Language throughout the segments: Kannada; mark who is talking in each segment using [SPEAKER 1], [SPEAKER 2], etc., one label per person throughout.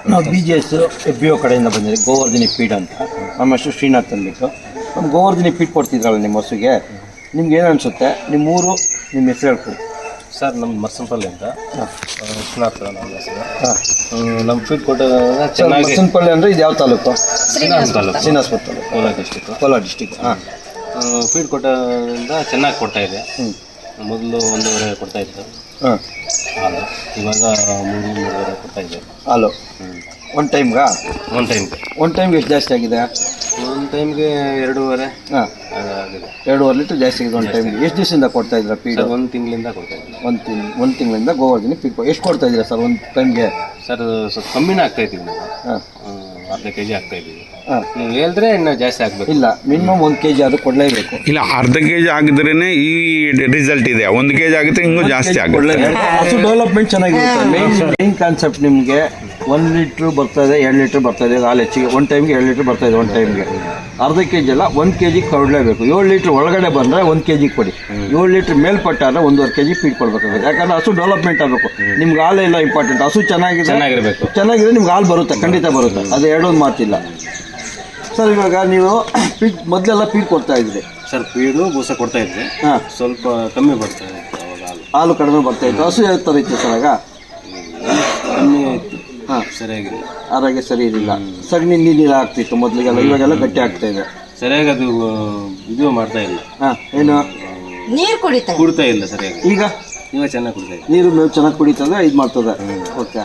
[SPEAKER 1] ನಾವು BGS FBO ಕಡೆಯಿಂದ ಬಂದಿದೆ ಗೋವರ್ಧನಿ ಫೀಡ್ ಅಂತ. ನಮ್ಮ ಹೆಸರು ಶ್ರೀನಾಥ್ ಅಂದ್ಬಿಟ್ಟು. ನಮ್ಮ ಗೋವರ್ಧನಿ ಫೀಡ್ ಕೊಡ್ತಿದ್ರಲ್ಲ ನಿಮ್ಮ ಹಸುಗೆ, ನಿಮ್ಗೆ ಏನು ಅನಿಸುತ್ತೆ? ನಿಮ್ಮ ಊರು, ನಿಮ್ಮ ಹೆಸರು ಹೇಳ್ಕೊಡಿ
[SPEAKER 2] ಸರ್. ನಮ್ಮ ಮರ್ಸಂಪಲ್ಲಿ ಅಂತ ಶ್ರೀನಾಥ್ ನಮ್ಮ ಹೆಸರು. ನಮ್ಮ ಫೀಡ್ ಕೊಟ್ಟ ಚೆನ್ನಾಗಿ.
[SPEAKER 1] ಮರ್ಸಂಪಲ್ಲಿ ಅಂದರೆ ಇದು ಯಾವ ತಾಲೂಕು?
[SPEAKER 2] ಶ್ರೀನಾಥ್ ತಾಲೂಕು,
[SPEAKER 1] ಶ್ರೀನಿವಾಸಪುರ ತಾಲೂಕು, ಕೋಲಾರ ಡಿಸ್ಟಿಕ್. ಹಾಂ,
[SPEAKER 2] ಫೀಡ್ ಕೊಟ್ಟದಿಂದ ಚೆನ್ನಾಗಿ ಕೊಡ್ತಾ ಇದೆ. ಮೊದಲು 1.5 ಕೊಡ್ತಾ ಇತ್ತು
[SPEAKER 1] ಹಾಂ
[SPEAKER 2] ಹಾಲು, ಇವಾಗ 3.5 ಕೊಡ್ತಾ ಇದೆ
[SPEAKER 1] ಹಾಲು. ಒಂದು ಟೈಮ್ಗೆ ಎಷ್ಟು ಜಾಸ್ತಿ ಆಗಿದೆ?
[SPEAKER 2] ಒಂದು ಟೈಮ್ಗೆ 2.5.
[SPEAKER 1] ಹಾಂ,
[SPEAKER 2] ಆಗಿದೆ.
[SPEAKER 1] 2.5 ಲೀಟ್ರ್ ಜಾಸ್ತಿ ಆಗಿದೆ ಒಂದು ಟೈಮ್ಗೆ. ಎಷ್ಟು ದಿವಸದಿಂದ ಕೊಡ್ತಾ ಇದ್ದೀರಾ ಫೀಡ್?
[SPEAKER 2] 1 ತಿಂಗಳಿಂದ ಕೊಡ್ತಾ ಇದ್ದೀನಿ.
[SPEAKER 1] ಒಂದು ತಿಂಗಳಿಂದ ಗೋವರ್ಧನಿ ಫೀಡ್ ಎಷ್ಟು ಕೊಡ್ತಾ ಇದ್ದೀರಾ ಸರ್ ಒಂದು ಟೈಮ್ಗೆ?
[SPEAKER 2] ಸರ್ ಸ್ವಲ್ಪ ಕಮ್ಮಿನೇ ಆಗ್ತಾ ಇದ್ದೀವಿ ನಾವು.
[SPEAKER 1] ಹಾಂ,
[SPEAKER 2] ಅರ್ಧ kg ಆಗ್ತಾ ಇದ್ದೀವಿ.
[SPEAKER 1] ಹಾಂ,
[SPEAKER 2] ನೀವು ಹೇಳಿದ್ರೆ ಇನ್ನು ಜಾಸ್ತಿ ಆಗಬೇಕು.
[SPEAKER 1] ಇಲ್ಲ, ಮಿನಿಮಮ್ 1 kg ಅದು ಕೊಡಲೇಬೇಕು.
[SPEAKER 3] ಇಲ್ಲ, ಅರ್ಧ kg ಆಗಿದ್ರೇ ಈ ರಿಸಲ್ಟ್ ಇದೆ. 1 kg ಆಗುತ್ತೆ, ಇನ್ನೂ ಜಾಸ್ತಿ ಆಗುತ್ತೆ.
[SPEAKER 1] ಹಸು ಡೆವಲಪ್ಮೆಂಟ್ ಚೆನ್ನಾಗಿರುತ್ತೆ. ಮೇನ್ ಕಾನ್ಸೆಪ್ಟ್ ನಿಮಗೆ 1 ಲೀಟ್ರ್ ಬರ್ತಾ ಇದೆ, 2 ಲೀಟ್ರ್ ಬರ್ತಾ ಇದೆ ಹಾಲು ಹೆಚ್ಚಿಗೆ. ಒಂದು ಟೈಮ್ಗೆ 2 ಲೀಟ್ರ್ ಬರ್ತಾ ಇದೆ ಒಂದು ಟೈಮ್ಗೆ. ಅರ್ಧ kg ಅಲ್ಲ, 1 kg ಕೊಡಲೇಬೇಕು. 7 ಲೀಟ್ರ್ ಒಳಗಡೆ ಬಂದರೆ 1 kg ಕೊಡಿ. 7 ಲೀಟ್ರ್ ಮೇಲ್ಪಟ್ಟಾದ್ರೆ 1.5 kg ಫೀಡ್ ಕೊಡಬೇಕಾಗುತ್ತೆ. ಯಾಕಂದ್ರೆ ಹಸು ಡೆವಲಪ್ಮೆಂಟ್ ಆಗಬೇಕು. ನಿಮ್ಗೆ ಹಾಲು ಎಲ್ಲ ಇಂಪಾರ್ಟೆಂಟ್. ಹಸು ಚೆನ್ನಾಗಿರಬೇಕು. ನಿಮ್ಗೆ ಹಾಲು ಬರುತ್ತೆ, ಖಂಡಿತ ಬರುತ್ತೆ. ಅದು ಎರಡೊಂದು ಮಾತಿಲ್ಲ ಸರ್. ಇವಾಗ ನೀವು ಫೀಡ್ ಮೊದಲೆಲ್ಲ ಫೀಡ್ ಕೊಡ್ತಾ ಇದ್ರಿ
[SPEAKER 2] ಸರ್? ಫೀಡು ಬೂಸ ಕೊಡ್ತಾ ಇದ್ವಿ.
[SPEAKER 1] ಹಾಂ,
[SPEAKER 2] ಸ್ವಲ್ಪ ಕಮ್ಮಿ ಬರ್ತಾ ಇತ್ತು ಅವಾಗ
[SPEAKER 1] ಹಾಲು ಕಡಿಮೆ ಬರ್ತಾ ಇತ್ತು. ಹಸು ಯಾವ ಥರ ಇತ್ತು ಸರ್ ಆಗ?
[SPEAKER 2] ಕಮ್ಮಿ ಆಯಿತು.
[SPEAKER 1] ಹಾಂ,
[SPEAKER 2] ಸರಿಯಾಗಿಲ್ಲ,
[SPEAKER 1] ಆರೋಗ್ಯ ಸರಿ ಇರಲಿಲ್ಲ. ಸಗಣಿ ನೀರು ಆಗ್ತಿತ್ತು ಮೊದಲಿಗೆಲ್ಲ, ಇವಾಗೆಲ್ಲ ಗಟ್ಟಿ ಆಗ್ತಾ ಇದೆ.
[SPEAKER 2] ಸರಿಯಾಗಿ ಅದು ಇದು ಮಾಡ್ತಾ ಇಲ್ಲ.
[SPEAKER 1] ಹಾಂ, ಏನು
[SPEAKER 4] ನೀರು
[SPEAKER 2] ಕುಡ್ತಾ ಇಲ್ಲ ಸರಿಯಾಗಿ.
[SPEAKER 1] ಈಗ
[SPEAKER 2] ಚೆನ್ನಾಗಿ ಕುಡ್ತಾ ಇದೆ.
[SPEAKER 1] ನೀರು ಮೇವು ಚೆನ್ನಾಗಿ ಕುಡಿತದೆ, ಇದು ಮಾಡ್ತದೆ. ಓಕೆ.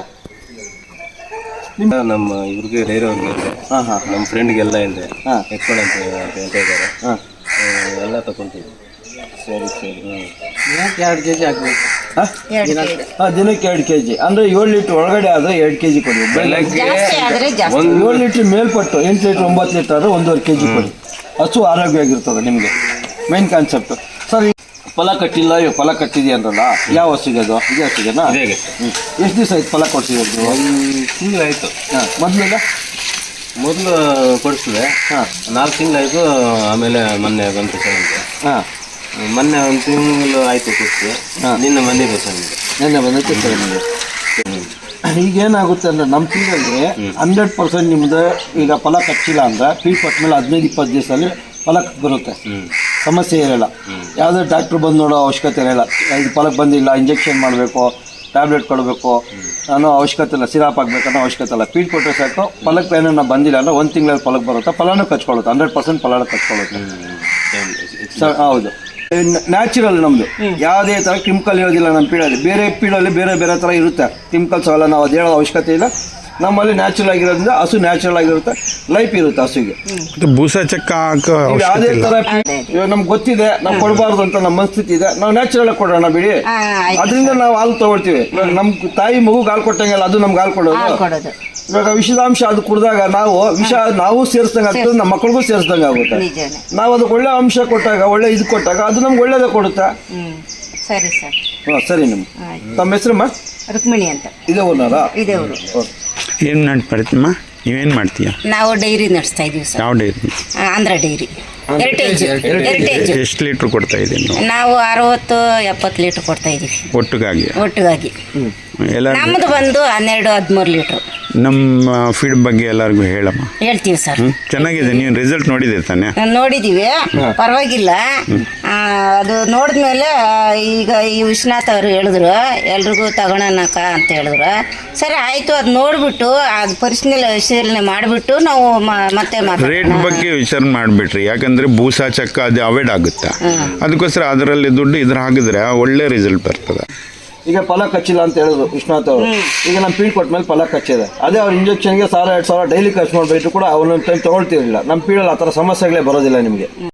[SPEAKER 2] ನಮ್ಮ ಇವ್ರಿಗೆ ಡೈರಿ ಅವ್ರಿಗೆ ಇದೆ.
[SPEAKER 1] ಹಾಂ ಹಾಂ,
[SPEAKER 2] ನಮ್ಮ ಫ್ರೆಂಡ್ಗೆಲ್ಲ ಇದೆ.
[SPEAKER 1] ಹಾಂ,
[SPEAKER 2] ಎತ್ಕೊಂಡು ಅಂತ ಹೇಳ್ತಾ ಇದ್ದಾರೆ.
[SPEAKER 1] ಹಾಂ,
[SPEAKER 2] ಎಲ್ಲ ತಗೊಂತೀವಿ.
[SPEAKER 1] ಸರಿ ಸರಿ.
[SPEAKER 2] 2 kg ಹಾಕ್ಬೇಕು.
[SPEAKER 1] ಹಾಂ, ದಿನಕ್ಕೆ 2 kg ಅಂದರೆ 7 ಲೀಟ್ರ್ ಒಳಗಡೆ ಆದರೆ 2 kg ಕೊಡಿ.
[SPEAKER 2] ಬೆಳಗ್ಗೆ
[SPEAKER 1] 7 ಲೀಟ್ರ್ ಮೇಲ್ಪಟ್ಟು 8 ಲೀಟ್ರ್ 9 ಲೀಟ್ರ್ ಆದರೆ 1.5 kg ಕೊಡಿ. ಹಸು ಆರೋಗ್ಯವಾಗಿರ್ತದೆ ನಿಮಗೆ. Main concept sir. ಫಲ ಕಟ್ಟಿಲ್ಲ, ಇವಾಗ ಫಲ ಕಟ್ಟಿದೆ ಅಂದ್ರಲ್ಲ, ಯಾವ ಹಸುಗೆ ಅದು? ಇದೇ ಹಸುಗೆನಾ? ಎಷ್ಟು ದಿವಸ ಆಯ್ತು ಫಲ ಕೊಡ್ಸಿದ್ರು?
[SPEAKER 2] 1 ತಿಂಗಳಾಯಿತು.
[SPEAKER 1] ಹಾಂ,
[SPEAKER 2] ಮೊದಲು ಕೊಡಿಸಿದೆ.
[SPEAKER 1] ಹಾಂ,
[SPEAKER 2] 4 ತಿಂಗಳಾಯಿತು. ಆಮೇಲೆ ಮೊನ್ನೆ ಬಂತು ಸರ್ ಅಂತ.
[SPEAKER 1] ಹಾಂ,
[SPEAKER 2] ಮೊನ್ನೆ 1 ತಿಂಗಳು ಆಯಿತು ಕೊಡಿಸಿ. ನಿನ್ನೆ ಬಂದಿದೆ ಸರ್ ನಿಮಗೆ.
[SPEAKER 1] ನೆನ್ನೆ ಬಂದೈತೆ ಸರ್ ನಿಮಗೆ. ಈಗೇನಾಗುತ್ತೆ ಅಂದರೆ ನಮ್ಮ ಫೀಲ್ಡಲ್ಲಿ 100% ನಿಮ್ಮದು ಈಗ ಫಲ ಕಚ್ಚಿಲ್ಲ ಅಂದರೆ ಫೀಲ್ಡ್ ಕೊಟ್ಟ ಮೇಲೆ 15-20 ದಿವಸದಲ್ಲಿ ಫಲಕ್ಕೆ ಬರುತ್ತೆ. ಸಮಸ್ಯೆ ಇರೋಲ್ಲ. ಯಾವುದೇ ಡಾಕ್ಟ್ರು ಬಂದು ನೋಡೋ ಅವಶ್ಯಕತೆ ಇರೋಲ್ಲ. ಇದು ಫಲಕ್ಕೆ ಬಂದಿಲ್ಲ, ಇಂಜೆಕ್ಷನ್ ಮಾಡಬೇಕು, ಟ್ಯಾಬ್ಲೆಟ್ ಕೊಡಬೇಕು ಅನ್ನೋ ಅವಶ್ಯಕತೆ ಇಲ್ಲ, ಸಿರಾಪ್ ಆಗಬೇಕು ಅನ್ನೋ ಅವಶ್ಯಕತೆ ಇಲ್ಲ. ಫೀಡ್ ಕೊಟ್ಟರೆ ಸಾಕು. ಫಲಕ್ಕೆ ಏನಾರ ಬಂದಿಲ್ಲ ಅಂದರೆ 1 ತಿಂಗಳಲ್ಲಿ ಫಲಕ್ಕೆ ಬರುತ್ತೆ. ಫಲನೂ ಕಚ್ಕೊಳ್ಳುತ್ತೆ, 100% ಫಲನೂ ಕಚ್ಕೊಳ್ಳುತ್ತೆ ಸರ್. ಹೌದು, ನ್ಯಾಚುರಲ್ ನಮ್ಮದು. ಯಾವುದೇ ಥರ ಕೆಮಿಕಲ್ ಇರೋದಿಲ್ಲ ನಮ್ಮ ಪೀಡಲ್ಲಿ. ಬೇರೆ ಪೀಡಲ್ಲಿ ಬೇರೆ ಬೇರೆ ಥರ ಇರುತ್ತೆ ಕೆಮಿಕಲ್ಸ್ ಅವೆಲ್ಲ. ನಾವು ಅದು ಹೇಳೋ ಅವಶ್ಯಕತೆ ಇಲ್ಲ. ನಮ್ಮಲ್ಲಿ ನ್ಯಾಚುರಲ್ ಆಗಿರೋದ್ರಿಂದ ಹಸು ನ್ಯಾಚುರಲ್ ಆಗಿರುತ್ತೆ, ಲೈಫ್ ಇರುತ್ತೆ ಹಸುಗೆ.
[SPEAKER 3] ಬೂಸ ಚಕ್ಕ
[SPEAKER 1] ಯಾವುದೇ ಥರ ಇವಾಗ ನಮ್ಗೆ ಗೊತ್ತಿದೆ, ನಾವು ಕೊಡಬಾರ್ದು ಅಂತ ನಮ್ಮ ಮನಸ್ಥಿತಿ ಇದೆ, ನಾವು ನ್ಯಾಚುರಲ್ ಆಗಿ ಕೊಡೋಣ ಬಿಡಿ. ಅದರಿಂದ ನಾವು ಹಾಲು ತೊಗೊಳ್ತೀವಿ. ಇವಾಗ ನಮ್ಮ ತಾಯಿ ಮಗುಗೆ ಹಾಲು ಕೊಟ್ಟಂಗೆಲ್ಲ ಅದು ನಮ್ಗೆ ಹಾಲು ಕೊಡೋದು. ಇವಾಗ ವಿಷದಾಂಶ ಅದು ಕುಡಿದಾಗ ನಾವು ಸೇರಿಸ್ದಂಗೆ ಆಗ್ತದೆ, ನಮ್ಮ ಮಕ್ಕಳಿಗೂ ಸೇರಿಸ್ದಂಗೆ ಆಗುತ್ತೆ. ನಾವು ಅದಕ್ಕೆ ಒಳ್ಳೆ ಅಂಶ ಕೊಟ್ಟಾಗ, ಒಳ್ಳೆ ಇದು ಕೊಟ್ಟಾಗ ಅದು ನಮ್ಗೆ ಒಳ್ಳೇದೇ ಕೊಡುತ್ತೆ.
[SPEAKER 4] ಸರಿ ಸರ್.
[SPEAKER 1] ಹಾಂ, ಸರಿ. ತಮ್ಮ ಹೆಸರಮ್ಮ?
[SPEAKER 4] ರುಕ್ಮಿಣಿ ಅಂತ.
[SPEAKER 1] ಇದೇ ಊರ್ನಾರಾ?
[SPEAKER 4] ಇದೇ ಊರು.
[SPEAKER 3] ಏನು ಮಾಡ್ತೀಮ್ಮ? ನೀವೇನು ಮಾಡ್ತೀಯ?
[SPEAKER 4] ನಾವು ಡೈರಿ ನಡೆಸ್ತಾ ಇದೀವಿ ಸರ್.
[SPEAKER 3] ಯಾವ ಡೈರಿ?
[SPEAKER 4] ಆಂಧ್ರ ಡೈರಿ. ಹೆರಿಟೇಜ್.
[SPEAKER 3] ಎಷ್ಟು ಲೀಟ್ರ್ ಕೊಡ್ತಾ ಇದ್ದೀವಿ
[SPEAKER 4] ನಾವು? 60-70 ಲೀಟ್ರ್ ಕೊಡ್ತಾ ಇದೀವಿ ಒಟ್ಟಿಗಾಗಿ.
[SPEAKER 3] ಎಲ್ಲ
[SPEAKER 4] ನಮ್ಮದು ಬಂದು 12-13 ಲೀಟ್ರ್.
[SPEAKER 3] ನಮ್ಮ ಫೀಡ್ ಬಗ್ಗೆ ಎಲ್ಲರಿಗೂ ಹೇಳಮ್ಮ.
[SPEAKER 4] ಹೇಳ್ತೀವಿ ಸರ್.
[SPEAKER 3] ಚೆನ್ನಾಗಿದೆ. ನೀವು ರಿಸಲ್ಟ್ ನೋಡಿದೆ ತಾನೆ?
[SPEAKER 4] ನೋಡಿದ್ದೀವಿ, ಪರವಾಗಿಲ್ಲ. ಅದು ನೋಡಿದ್ಮೇಲೆ ಈಗ ಈ ವಿಶ್ವನಾಥ್ ಅವರು ಹೇಳಿದ್ರು ಎಲ್ರಿಗೂ ತಗೊಳನಕ ಅಂತ ಹೇಳಿದ್ರು. ಸರಿ ಆಯಿತು, ಅದು ನೋಡಿಬಿಟ್ಟು ಅದು ಪರಿಶೀಲನೆ ಮಾಡಿಬಿಟ್ಟು ನಾವು ಮತ್ತೆ
[SPEAKER 3] ರೇಟ್ ಬಗ್ಗೆ ವಿಚಾರ ಮಾಡಿಬಿಟ್ರಿ. ಯಾಕಂದರೆ ಬೂಸ ಚಕ್ಕ ಅದು ಅವಾಯ್ಡ್ ಆಗುತ್ತೆ. ಅದಕ್ಕೋಸ್ಕರ ಅದರಲ್ಲಿ ದುಡ್ಡು ಇದ್ರ ಹಾಕಿದ್ರೆ ಒಳ್ಳೆ ರಿಸಲ್ಟ್ ಬರ್ತದೆ.
[SPEAKER 1] ಈಗ ಫಲ ಕಚ್ಚಿಲ್ಲ ಅಂತ ಹೇಳಿದ್ರು ವಿಶ್ವನಾಥ್ ಅವರು. ಈಗ ನಮ್ಮ ಫೀಡ್ ಕೊಟ್ಟ ಮೇಲೆ ಫಲ ಕಚ್ಚಿದೆ. ಅದೇ ಅವ್ರ ಇಂಜೆಕ್ಷನ್ಗೆ 1,000-2,000 ಡೈಲಿ ಖರ್ಚು ಮಾಡಿಬಿಟ್ಟು ಕೂಡ ಅವನೊಂದು ಟೈಮ್ ತೊಗೊಳ್ತಿರಲಿಲ್ಲ. ನಮ್ಮ ಫೀಡಲ್ಲಿ ಆ ಥರ ಸಮಸ್ಯೆಗಳೇ ಬರೋದಿಲ್ಲ ನಿಮಗೆ.